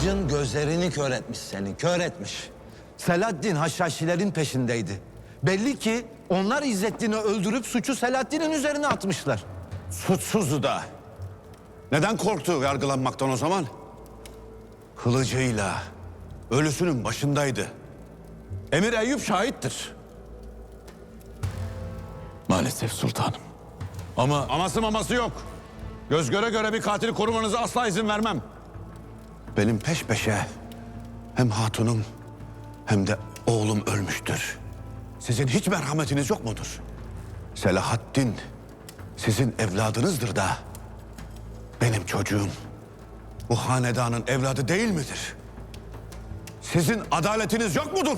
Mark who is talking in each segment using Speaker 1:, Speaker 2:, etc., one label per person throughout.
Speaker 1: Amacın gözlerini kör etmiş seni, kör etmiş. Selahaddin Haşhaşilerin peşindeydi. Belli ki onlar İzzettin'i öldürüp suçu Selahaddin'in üzerine atmışlar.
Speaker 2: Suçsuzdu da. Neden korktu yargılanmaktan o zaman? Kılıcıyla ölüsünün başındaydı. Emir Eyyub şahittir.
Speaker 3: Maalesef sultanım. Ama
Speaker 2: Aması maması yok. Göz göre göre bir katili korumanıza asla izin vermem. Benim peş peşe hem hatunum hem de oğlum ölmüştür. Sizin hiç merhametiniz yok mudur? Selahaddin sizin evladınızdır da benim çocuğum bu hanedanın evladı değil midir? Sizin adaletiniz yok mudur?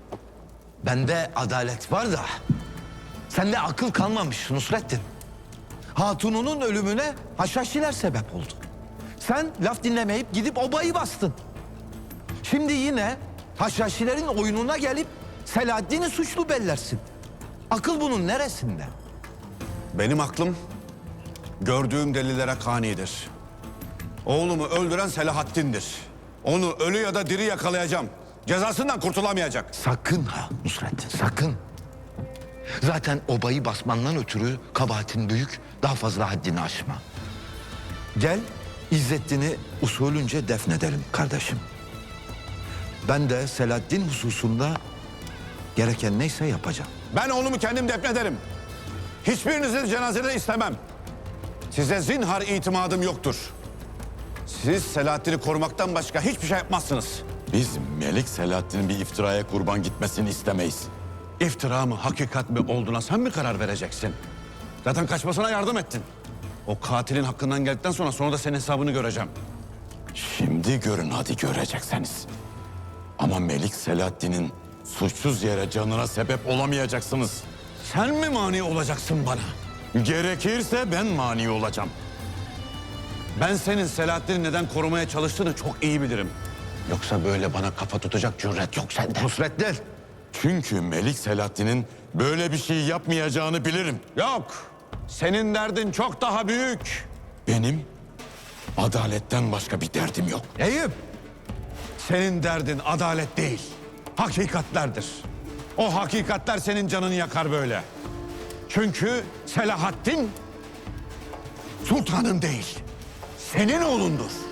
Speaker 1: Bende adalet var da sende akıl kalmamış Nusrettin. Hatununun ölümüne Haşhaşiler sebep oldu. Sen laf dinlemeyip gidip obayı bastın. Şimdi yine Haşhaşilerin oyununa gelip Selahaddin'i suçlu bellersin. Akıl bunun neresinde?
Speaker 2: Benim aklım gördüğüm delillere kanidir. Oğlumu öldüren Selahaddin'dir. Onu ölü ya da diri yakalayacağım. Cezasından kurtulamayacak.
Speaker 1: Sakın ha Nusrettin, sakın. Zaten obayı basmandan ötürü kabahatin büyük, daha fazla haddini aşma. Gel, İzzettin'i usulünce defnedelim kardeşim. Ben de Selahaddin hususunda gereken neyse yapacağım.
Speaker 2: Ben oğlumu kendim defnederim. Hiçbirinizi cenazede istemem. Size zinhar itimadım yoktur. Siz Selahaddin'i korumaktan başka hiçbir şey yapmazsınız.
Speaker 3: biz Melik Selahaddin'in bir iftiraya kurban gitmesini istemeyiz.
Speaker 2: İftira mı, hakikat mi olduğuna sen mi karar vereceksin? Zaten kaçmasına yardım ettin. O katilin hakkından geldikten sonra da senin hesabını göreceğim.
Speaker 3: Şimdi görün hadi görecekseniz. Ama Melik Selahaddin'in suçsuz yere canına sebep olamayacaksınız.
Speaker 2: Sen mi mani olacaksın bana?
Speaker 3: Gerekirse ben mani olacağım.
Speaker 2: Ben senin Selahaddin'i neden korumaya çalıştığını çok iyi bilirim. Yoksa böyle bana kafa tutacak cüret yok sende.
Speaker 1: Nusrettin,
Speaker 3: Çünkü Melik Selahaddin'in böyle bir şey yapmayacağını bilirim.
Speaker 2: Yok. Senin derdin çok daha büyük.
Speaker 3: Benim adaletten başka bir derdim yok.
Speaker 2: Eyüp. Senin derdin adalet değil, hakikatlerdir. O hakikatler senin canını yakar böyle. Çünkü Selahaddin sultanın değil, senin oğlundur.